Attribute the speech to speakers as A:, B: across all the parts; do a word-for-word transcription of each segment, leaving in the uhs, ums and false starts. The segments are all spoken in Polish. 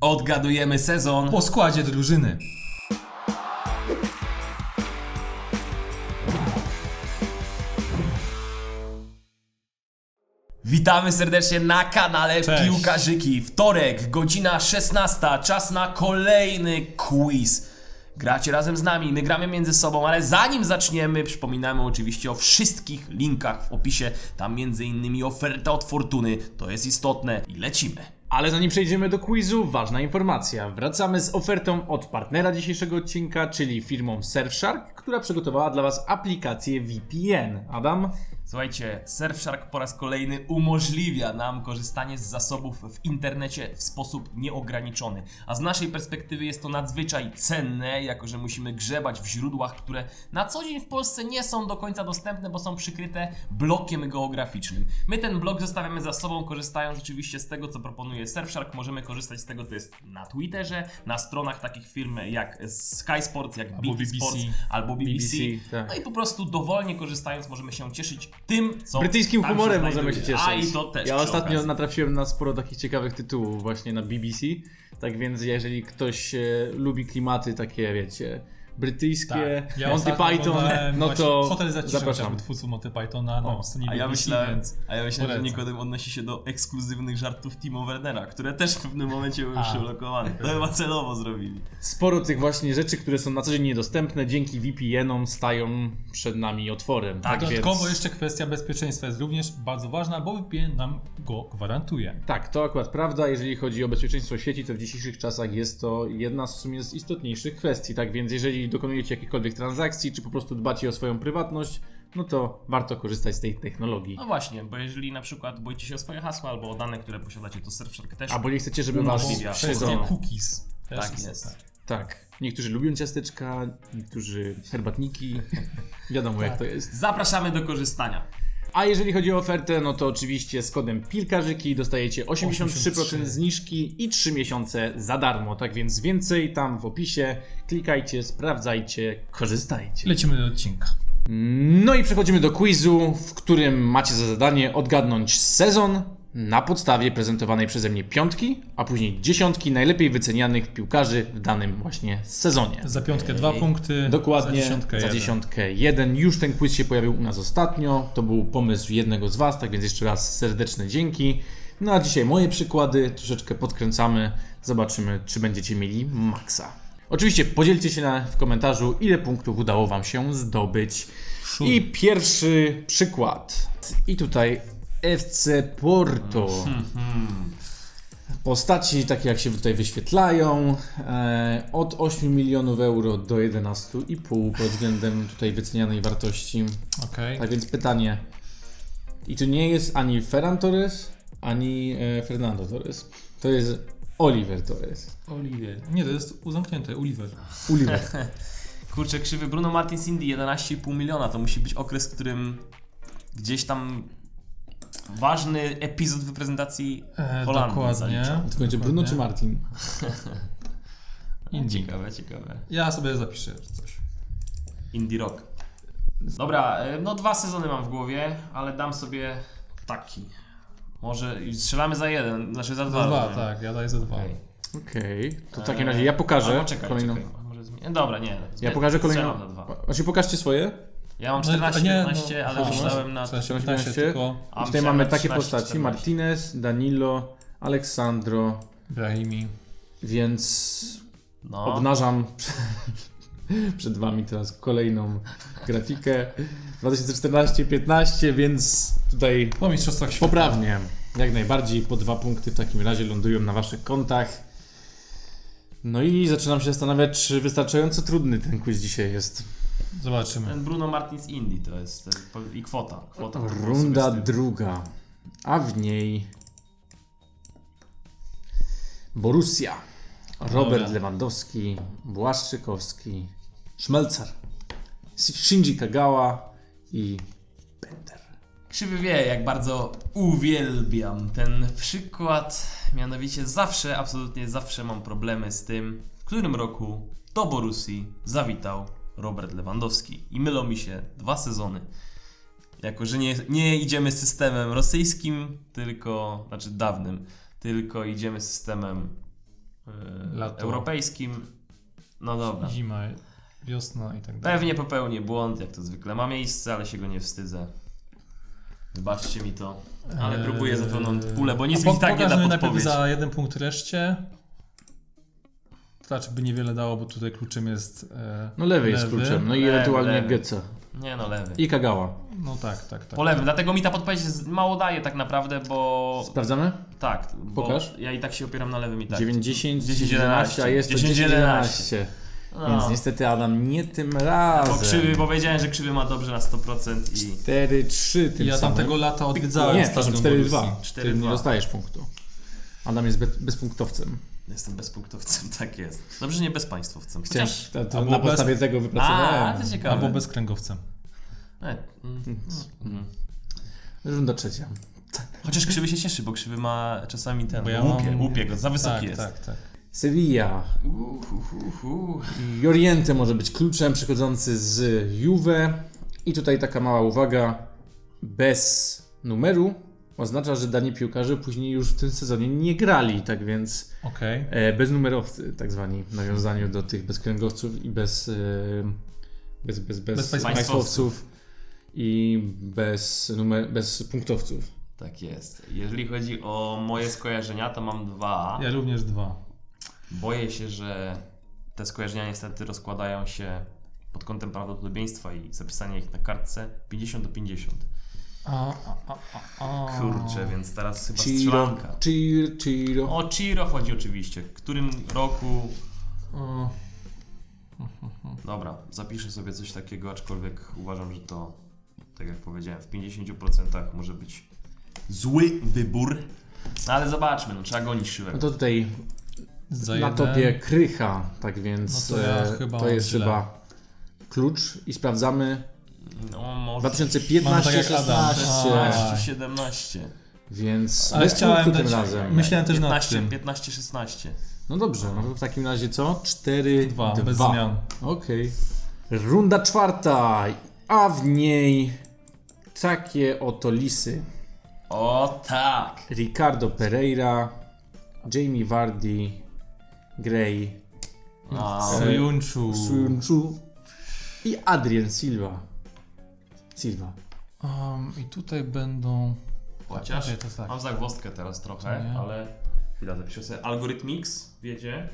A: Odgadujemy sezon
B: po składzie drużyny.
A: Witamy serdecznie na kanale
B: Cześć.
A: Piłkarzyki. Wtorek, godzina szesnasta, czas na kolejny quiz. Gracie razem z nami, my gramy między sobą, ale zanim zaczniemy, przypominamy oczywiście o wszystkich linkach w opisie. Tam między innymi oferta od Fortuny, to jest istotne i lecimy.
C: Ale zanim przejdziemy do quizu, ważna informacja. Wracamy z ofertą od partnera dzisiejszego odcinka, czyli firmą Surfshark, która przygotowała dla Was aplikację V P N. Adam?
A: Słuchajcie, Surfshark po raz kolejny umożliwia nam korzystanie z zasobów w internecie w sposób nieograniczony. A z naszej perspektywy jest to nadzwyczaj cenne, jako że musimy grzebać w źródłach, które na co dzień w Polsce nie są do końca dostępne, bo są przykryte blokiem geograficznym. My ten blok zostawiamy za sobą, korzystając oczywiście z tego, co proponuje Surfshark. Możemy korzystać z tego, co jest na Twitterze, na stronach takich firm jak Sky Sports, jak
B: Albo
A: B T Sports,
B: B B C.
A: albo B B C.
C: B B C, tak.
A: No i po prostu dowolnie korzystając możemy się cieszyć tym, co
C: Brytyjskim
A: tam
C: humorem
A: się
C: możemy się
A: znajduje.
C: cieszyć.
A: A i to też
C: Ja
A: przy
C: ostatnio
A: okazji.
C: natrafiłem na sporo takich ciekawych tytułów właśnie na B B C. Tak więc jeżeli ktoś e, lubi klimaty takie, wiecie, brytyjskie,
B: Tak. Ja
C: Monty
B: ostatnio
C: Python,
B: oglądałem
C: no
B: właśnie
C: to
B: Hotel Zaciszy,
C: zapraszam.
B: chociażby twórców Monty Pythona na
C: O,
B: stronie
A: A ja
B: B B C,
A: myślałem,
B: więc
A: a ja myślałem że
B: polecam.
A: Nikodem odnosi się do ekskluzywnych żartów Timo Wernera, które też w pewnym momencie były
B: A.
A: przyblokowane. To chyba celowo zrobili.
C: Sporo tych właśnie rzeczy, które są na co dzień niedostępne, dzięki V P N-om stają przed nami otworem.
A: Tak,
B: Dodatkowo
C: więc...
B: jeszcze kwestia bezpieczeństwa jest również bardzo ważna, bo V P N nam go gwarantuje.
C: Tak, to akurat prawda. Jeżeli chodzi o bezpieczeństwo sieci, to w dzisiejszych czasach jest to jedna z w sumie z istotniejszych kwestii. Tak więc jeżeli dokonujecie jakichkolwiek transakcji, czy po prostu dbacie o swoją prywatność, no to warto korzystać z tej technologii.
A: No właśnie, bo jeżeli na przykład boicie się o swoje hasła albo o dane, które posiadacie, to Surfshark też.
C: Albo nie chcecie, żeby was
A: Umożliwia.
B: Kwestia
C: śledzono.
B: cookies też
A: Tak
B: jest.
A: jest.
C: Tak. Niektórzy lubią ciasteczka, niektórzy herbatniki. Wiadomo jak to jest.
A: Zapraszamy do korzystania.
C: A jeżeli chodzi o ofertę, no to oczywiście z kodem Pilkarzyki dostajecie osiemdziesiąt trzy procent
B: osiemdziesiąt trzy.
C: zniżki i trzy miesiące za darmo. Tak więc więcej tam w opisie. Klikajcie, sprawdzajcie, korzystajcie.
B: Lecimy do odcinka.
C: No i przechodzimy do quizu, w którym macie za zadanie odgadnąć sezon na podstawie prezentowanej przeze mnie piątki, a później dziesiątki najlepiej wycenianych piłkarzy w danym właśnie sezonie.
B: Za piątkę dwa punkty,
C: Dokładnie,
B: za dziesiątkę
C: za
B: jeden.
C: dziesiątkę jeden. Już ten quiz się pojawił u nas ostatnio. To był pomysł jednego z Was, tak więc jeszcze raz serdeczne dzięki. No a dzisiaj moje przykłady, troszeczkę podkręcamy. Zobaczymy, czy będziecie mieli maksa. Oczywiście podzielcie się na, w komentarzu, ile punktów udało Wam się zdobyć.
B: Szur.
C: I pierwszy przykład. I tutaj F C Porto. Postaci takie jak się tutaj wyświetlają, e, od ośmiu milionów euro do jedenastu i pół pod względem tutaj wycenianej wartości.
B: Okej.
C: Tak więc pytanie, i tu nie jest ani Ferran Torres, ani e, Fernando Torres. To jest Oliver Torres.
B: Oliver. Nie, to jest uzamknięte, Oliver.
C: Oliver.
A: Kurczę, krzywy Bruno Martins Indy jedenaście i pół miliona. To musi być okres, w którym gdzieś tam ważny epizod w reprezentacji
B: E,
A: Holandii
B: dokładnie.
A: zaliczał.
C: To będzie Bruno
B: Dokładnie.
C: czy Martin?
B: Indie.
A: Ciekawe, ciekawe.
B: Ja sobie zapiszę coś.
A: Indie Rock. Dobra, e, no dwa sezony mam w głowie, ale dam sobie taki. Może i strzelamy za jeden, znaczy za
B: Za
A: dwa.
B: dwa,
A: rozumiem.
B: tak, ja daję za dwa.
A: Okej.
C: Okej, to w takim razie ja pokażę
A: Albo czekaj,
C: kolejną.
A: czekaj, może zmie- Dobra, nie.
C: Ja pokażę kolejną.
A: Strzelam za dwa.
C: Znaczy pokażcie swoje.
A: Ja mam
B: No,
A: czternaście,
B: a nie,
A: piętnaście,
B: no,
A: ale
B: aha,
A: myślałem na...
B: czternaście,
C: czternaście,
B: piętnaście tylko
A: A,
C: Tutaj
A: myślałem
C: mamy
A: na
C: takie
A: trzynaście,
C: postaci,
A: czternaście.
C: Martinez, Danilo, Aleksandro,
B: Brahimi.
C: więc
A: No.
C: obnażam przed Wami teraz kolejną grafikę. dwa tysiące czternaście piętnaście, więc tutaj
B: Po mistrzostwach świata.
C: poprawnie. Jak najbardziej po dwa punkty w takim razie lądują na Waszych kontach. No i zaczynam się zastanawiać, czy wystarczająco trudny ten quiz dzisiaj jest.
B: Zobaczymy.
A: Ten Bruno Martins Indy to jest to, i kwota. kwota to
C: Runda
A: sobie z tym.
C: druga, a w niej Borussia, Robert
B: Dobra.
C: Lewandowski, Błaszczykowski, Szmelcar, Shinji Kagawa i Bender.
A: Krzywy wie, jak bardzo uwielbiam ten przykład. Mianowicie zawsze, absolutnie zawsze mam problemy z tym, w którym roku do Borussii zawitał Robert Lewandowski. I mylą mi się dwa sezony. Jako, że nie, nie idziemy systemem rosyjskim, tylko, znaczy dawnym, tylko idziemy systemem
B: lato,
A: europejskim. No dobra.
B: zima, wiosna i tak dalej.
A: Pewnie popełnię błąd, jak to zwykle. Ma miejsce, ale się go nie wstydzę. Wybaczcie mi to. Ale
B: Eee,
A: próbuję za pełną pulę, bo nic
B: a po-
A: mi tak nie
B: pokaż
A: da
B: mi najpierw
A: podpowiedź.
B: za jeden punkt reszcie. To znaczy by niewiele dało, bo tutaj kluczem jest e,
C: No lewy jest
B: lewy.
C: kluczem, no i
A: Lewy,
C: ewentualnie
A: lewy.
C: Geca.
A: Nie no, lewy.
C: I Kagawa.
B: No tak, tak, tak.
A: Po lewym, dlatego mi ta podpowiedź jest- mało daje tak naprawdę, bo...
C: Sprawdzamy?
A: Tak, bo
C: Pokaż.
A: ja i tak się opieram na lewym i tak.
C: dziewięć, dziesięć,
A: dziesięć,
C: jedenaście, a jest to
A: dziesięć,
C: dziesięć,
A: jedenaście.
C: jedenaście.
A: No.
C: Więc niestety Adam nie tym razem.
A: Bo krzywy, bo wiedziałem, że krzywy ma dobrze na sto procent i...
C: cztery trzy tym
B: Ja
C: samym.
B: tamtego lata odwiedzałem
C: Nie,
B: stadion
C: cztery dwa.
B: Borussii.
A: cztery
C: Ty nie
A: dwa.
C: dostajesz punktu. Adam jest bez, bezpunktowcem.
A: Jestem bezpunktowcem, tak jest. Dobrze, że nie bezpaństwowcem.
C: Chciałem,
A: Chociaż...
C: to, to
B: albo
C: na
B: bez-
C: podstawie tego wypracowałem.
A: A, to ciekawe.
B: Albo bezkręgowcem.
A: E, mm, mm.
C: Runda trzecia.
A: Chociaż krzywy się cieszy, bo krzywy ma czasami ten...
B: Bo ja
A: łupie,
B: mam-
A: łupie go, za wysoki
B: tak,
A: jest.
B: tak, tak.
C: Sevilla.
A: Uh, uh, uh, uh.
C: Joriente może być kluczem przychodzący z Juve. I tutaj taka mała uwaga. Bez numeru oznacza, że dani piłkarze później już w tym sezonie nie grali. Tak więc
B: Okej.
C: e, beznumerowcy, tak zwani, w nawiązaniu do tych bezkręgowców i bez, e, bez, bez, bez,
B: Bez państwowców.
C: państwowców i bez, numer, bez punktowców.
A: Tak jest. Jeżeli chodzi o moje skojarzenia, to mam dwa.
B: Ja również dwa.
A: Boję się, że te skojarzenia niestety rozkładają się pod kątem prawdopodobieństwa i zapisania ich na kartce pięćdziesiąt do pięćdziesięciu.
B: A, a, a, a, a.
A: Kurczę, więc teraz chyba
C: Ciro,
A: strzelanka.
C: Ciro, Ciro.
A: O Ciro chodzi oczywiście. W którym roku...
B: O,
A: Dobra, zapiszę sobie coś takiego, aczkolwiek uważam, że to, tak jak powiedziałem, w pięćdziesięciu procentach może być zły wybór. No ale zobaczmy, no trzeba gonić Szywek.
C: No to tutaj
B: za
C: na
B: jeden.
C: topie Krycha, tak więc
B: No to ja
C: e,
B: chyba
C: to
B: mam
C: jest
B: źle.
C: chyba klucz i sprawdzamy
A: No może...
C: dwa tysiące
B: Mamy
C: piętnaście
B: tak jak Adam.
C: szesnaście,
A: szesnaście, siedemnaście.
C: więc
B: Ale
C: bez
B: chciałem
C: punktu tym
B: dać-
C: razem.
B: Myślałem też nad
A: piętnaście,
B: tym.
A: piętnaście, szesnaście.
C: No dobrze, no to w takim razie co? cztery
B: Dwa,
C: dwa.
B: bez zmian.
C: Okej. Runda czwarta, a w niej takie oto lisy.
A: O tak!
C: Ricardo Pereira, Jamie Vardy, Gray,
A: A,
B: Sojunczu.
C: Suyunchu i Adrien Silva. Silva.
B: Um, I tutaj będą...
A: chociaż
B: Okej, to tak.
A: mam zagwozdkę teraz trochę,
B: To nie.
A: ale chwila, zapiszę sobie. Algorithmix, wiecie?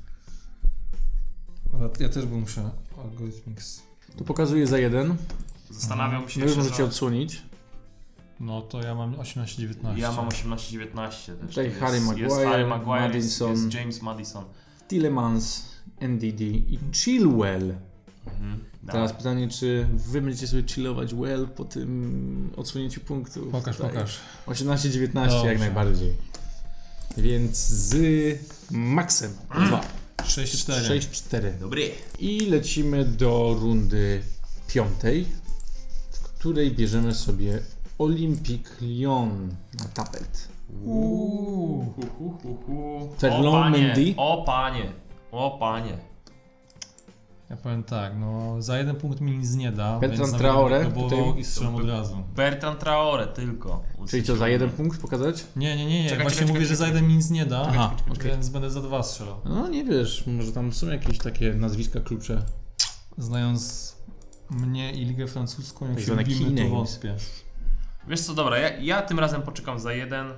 B: Ja też bym musiał Algorithmix.
C: Tu pokazuję za jeden.
A: Zastanawiam się
C: No już
A: jeszcze,
C: możecie
A: że-
C: odsłonić.
B: No to ja mam osiemnaście dziewiętnaście.
A: Ja mam osiemnaście dziewiętnaście też.
C: Tutaj
A: To
C: Harry
A: jest,
C: Maguire,
A: jest Harry Maguire,
C: Maddison.
A: jest, jest James Maddison.
C: Tillemans, N D D i Chilwell.
A: Mhm.
C: Teraz pytanie, czy wy będziecie sobie chillować well po tym odsłonięciu punktów?
B: Pokaż,
C: Tutaj.
B: pokaż.
C: osiemnaście dziewiętnaście jak
B: Dobrze.
C: najbardziej. Więc z Maxem dwa.
B: sześć cztery.
C: sześć cztery.
A: Dobry.
C: I lecimy do rundy piątej, w której bierzemy sobie Olympique Lyon na tapet.
A: Uuu. Hu, hu, hu, hu.
C: Ferland
A: O panie,
C: Mendy.
A: O panie, o panie.
B: Ja powiem tak, no za jeden punkt mi nic nie da,
C: Bertrand
B: więc
C: Traoré,
B: nawet próbował
C: tutaj-
B: i strzelam od razu.
A: Bertrand Traoré tylko.
C: Czyli co, za jeden punkt pokazać?
B: Nie, nie, nie, nie.
A: Czekaj,
B: właśnie
A: czekaj,
B: mówię,
A: czekaj,
B: że za
A: czekaj.
B: jeden mi nic nie da,
C: Aha, okej.
B: więc będę za dwa strzelał.
C: No nie wiesz, może tam są jakieś takie nazwiska klucze.
B: Znając mnie i Ligę Francuską, jak
C: Tak
B: się
C: zwane
B: lubimy,
C: key
B: to
C: names.
B: wątpię.
A: Wiesz co, dobra, ja, ja tym razem poczekam za jeden.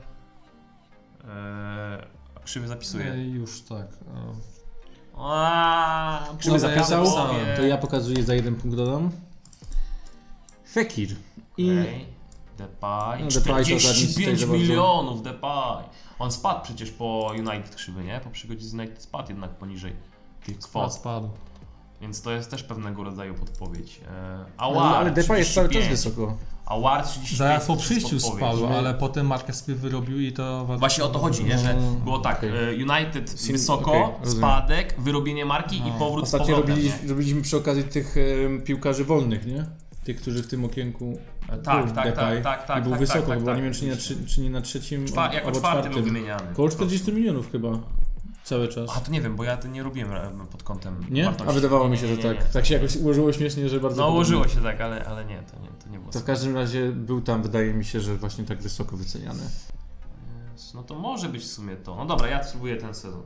A: Eee, a krzywy zapisuje.
B: Ej, już tak. e,
A: Aaaa,
C: Krzywy
B: Dobra, ja
C: zapisał,
B: zapisałem.
C: to ja pokazuję za jeden punkt dodam. Fekir. I
A: Okay. Depay.
C: No, Depay to za nic
A: czterdzieści
C: tutaj
A: pięć
C: za bardzo.
A: milionów Depay. On spadł przecież po United krzywy, nie? Po przygodzie z United spadł jednak poniżej tych
B: Spadł,
A: kwot.
B: spadł.
A: Więc to jest też pewnego rodzaju podpowiedź. Eee,
C: ale,
A: Awar
C: ale Depay jest cały czas
A: trzydzieści pięć.
C: wysoko.
A: Awar trzydzieści pięć.
B: Zaraz po
A: to jest
B: przyjściu
A: podpowiedź.
B: spadł,
C: Nie?
B: ale potem markę sobie wyrobił i to...
A: Właśnie o to chodzi, nie? Że
C: No,
A: było tak,
C: okej.
A: e, United
C: Sin-
A: wysoko,
C: okej, rozumiem.
A: spadek, wyrobienie marki i
B: No.
A: powrót z
C: Ostatnio
A: powrotem.
C: robiliśmy,
A: nie?
C: robiliśmy przy okazji tych e, piłkarzy wolnych, nie? Tych, którzy w tym okienku
A: E, Tak,
C: był
A: tak,
C: Depay
A: tak, tak, tak.
C: i był
A: tak,
C: wysoko,
A: tak, tak,
C: chyba
A: tak,
C: nie wiem czy nie, na,
A: oczywiście.
C: trzy, czy nie na trzecim
A: Czwa, jako
C: albo
A: czwarty był
C: czwartym.
A: wymieniany.
C: Koło
A: po prostu.
C: czterdzieści milionów chyba. Cały czas.
A: A to nie wiem, bo ja to nie robiłem e, pod kątem
C: Nie?
A: wartości.
C: A wydawało
A: Nie,
C: mi się,
A: nie,
C: że
A: nie,
C: tak.
A: nie.
C: Tak się jakoś ułożyło śmiesznie, że bardzo
A: No
C: podobnie.
A: ułożyło się tak, ale, ale nie, to nie, to nie było.
C: To w każdym razie był tam, wydaje mi się, że właśnie tak wysoko wyceniany.
A: No to może być w sumie to. No dobra, ja spróbuję ten sezon.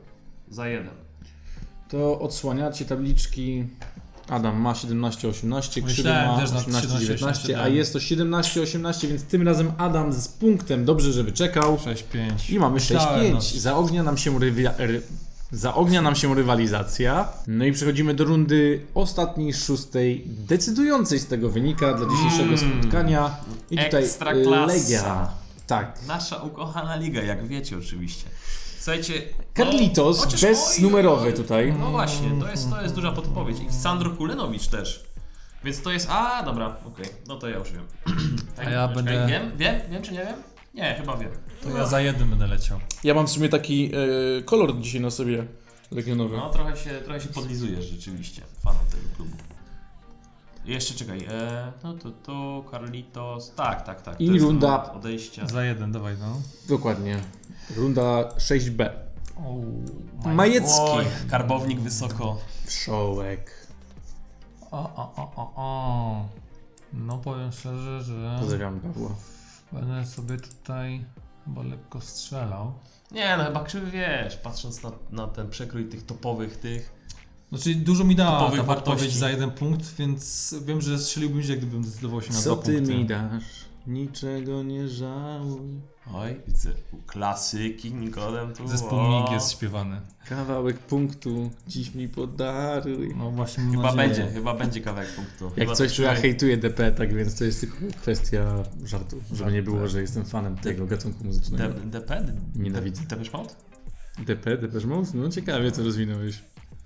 A: za jeden.
C: To odsłaniacie tabliczki. Adam ma siedemnaście osiemnaście, Krzywy
B: Myślałem
C: ma
B: też na
C: osiemnaście dziewiętnaście, a
B: siedemnaście
C: jest to siedemnaście osiemnaście, więc tym razem Adam z punktem. Dobrze, że wyczekał.
B: sześć pięć.
C: I mamy sześć
B: Myślałem,
C: pięć.
B: no.
C: Zaognia nam się rywi- ry- Zaognia nam się rywalizacja. No i przechodzimy do rundy ostatniej, szóstej, decydującej z tego wynika dla dzisiejszego
A: Mm.
C: spotkania. I tutaj
A: Ekstraklasa.
C: Legia. Tak.
A: Nasza ukochana liga, jak wiecie oczywiście. Słuchajcie...
C: Carlitos,
A: no, chociaż-
C: beznumerowy
A: oj,
C: tutaj.
A: No właśnie, to jest, to jest duża podpowiedź. I Sandro Kulenowicz też. Więc to jest... A, dobra, okej. No to ja już wiem.
B: A ja
A: Czekaj,
B: będę-
A: Wiem? Wiem? Wiem czy nie wiem? Nie, chyba wiem.
B: To ja za jeden będę leciał.
C: Ja mam w sumie taki e, kolor dzisiaj na sobie legionowy.
A: No, trochę się, trochę się podlizujesz rzeczywiście, fanem tego klubu. I jeszcze czekaj, e, no to to, Carlitos, tak, tak, tak. To
C: I
A: jest ten
C: runda-
A: moment odejścia.
B: Za jeden, dawaj no.
C: Dokładnie. Runda sześć B.
B: O,
C: Majecki.
A: Oj, karbownik wysoko.
C: Wszołek.
B: O, o, o, o, o. No powiem szczerze, że
C: Pozdrawiam Pawła.
B: będę sobie tutaj chyba lekko strzelał.
A: Nie no, chyba krzywy wiesz, patrząc na, na ten przekrój tych topowych tych.
B: Znaczy dużo mi dała
A: Topowych
B: ta
A: wartości.
B: odpowiedź za jeden punkt, więc wiem, że strzeliłbym źle, gdybym zdecydował się na
C: Co
B: dwa
C: ty
B: punkty.
C: mi dasz? Niczego nie żałuj.
A: Oj, widzę, klasyki, Nikodem tu.
B: Zespół
A: o.
B: Mig jest śpiewany.
C: Kawałek punktu dziś mi podaruj.
B: No właśnie mam
A: Chyba
B: nadzieję.
A: będzie, chyba będzie kawałek punktu.
C: Jak
A: Chyba
C: coś, to
A: tak
C: ja
A: się-
C: hejtuję D P, tak więc to jest tylko kwestia żartu. Żeby nie było, że jestem fanem tego gatunku muzycznego.
A: D- DP?
C: Nienawidzę.
A: Depeche Mode?
C: D P, Depeche Mode? No ciekawie co rozwinąłeś.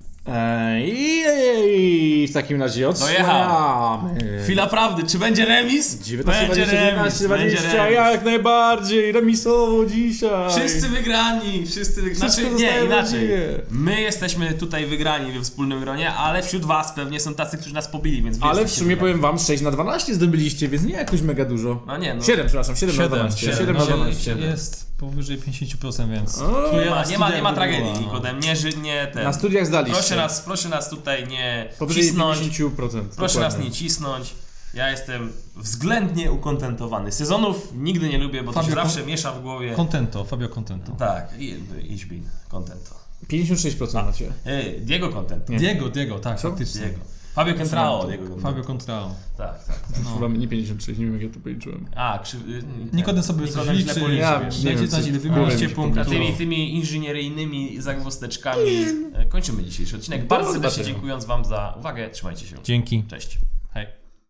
C: Eee, w takim razie odsłaniamy.
A: Chwila prawdy, czy będzie remis?
C: dziewiętnaście,
A: Będzie
C: dwadzieścia,
A: remis,
C: dziewiętnaście,
A: będzie
C: dwadzieścia,
A: remis.
C: jak najbardziej, remisowo dzisiaj.
A: Wszyscy wygrani, wszyscy wygrani.
C: Wszystko
A: Znaczy, nie,
C: zostaje
A: inaczej.
C: właściwie.
A: My jesteśmy tutaj wygrani we wspólnym gronie, ale wśród was pewnie są tacy, którzy nas pobili, więc wy
C: Ale w
A: jesteście
C: sumie
A: wygrani.
C: powiem wam, sześć na dwanaście zdobyliście, więc nie jakoś mega dużo.
A: No nie, no.
C: siedem, przepraszam, siedem na
B: siedem,
C: dwanaście.
B: siedem,
C: siedem na
B: no,
C: dwanaście.
B: jest powyżej pięćdziesiąt procent, więc...
C: O,
A: Nie ma, nie ma, nie ma
B: studiach
A: tragedii,
B: by była, no.
A: Nikodem, nie, ży- nie ten.
C: Na studiach zdaliście.
A: Proszę nas, proszę nas tutaj nie
C: Powyżej
A: cisnąć,
C: pięćdziesiąt procent.
A: proszę nas
C: dokładnie.
A: nie cisnąć. Ja jestem względnie ukontentowany. Sezonów nigdy nie lubię, bo to się
B: Fabio,
A: zawsze miesza w głowie.
B: Contento, Fabio Contento.
A: Tak, i- ich bin, contento.
C: pięćdziesiąt sześć procent macie.
A: Ej, Diego contento.
C: Nie.
B: Diego, Diego, tak, faktycznie.
A: Diego. Fabio Contrao, Diego contento.
B: Fabio Contrao.
A: Tak, tak.
B: No.
C: Chyba nie pięćdziesiąt sześć, nie wiem jak ja to policzyłem.
A: A, krzy...
B: Nikodem sobie
A: Nikodem
B: coś
A: źle
B: liczy,
A: policzył,
C: ja
A: wiesz.
C: nie
B: dajcie
C: wiem,
B: znać
C: coś
B: ile
C: w
B: wy
C: głowie
B: mieliście
C: mi się
A: A
B: punktów.
A: tymi, tymi inżynieryjnymi zagwosteczkami e, kończymy dzisiejszy odcinek. Bardzo
C: Dobra,
A: serdecznie
C: zobaczymy.
A: dziękując wam za uwagę. Trzymajcie się.
B: Dzięki.
A: Cześć.
B: Hej.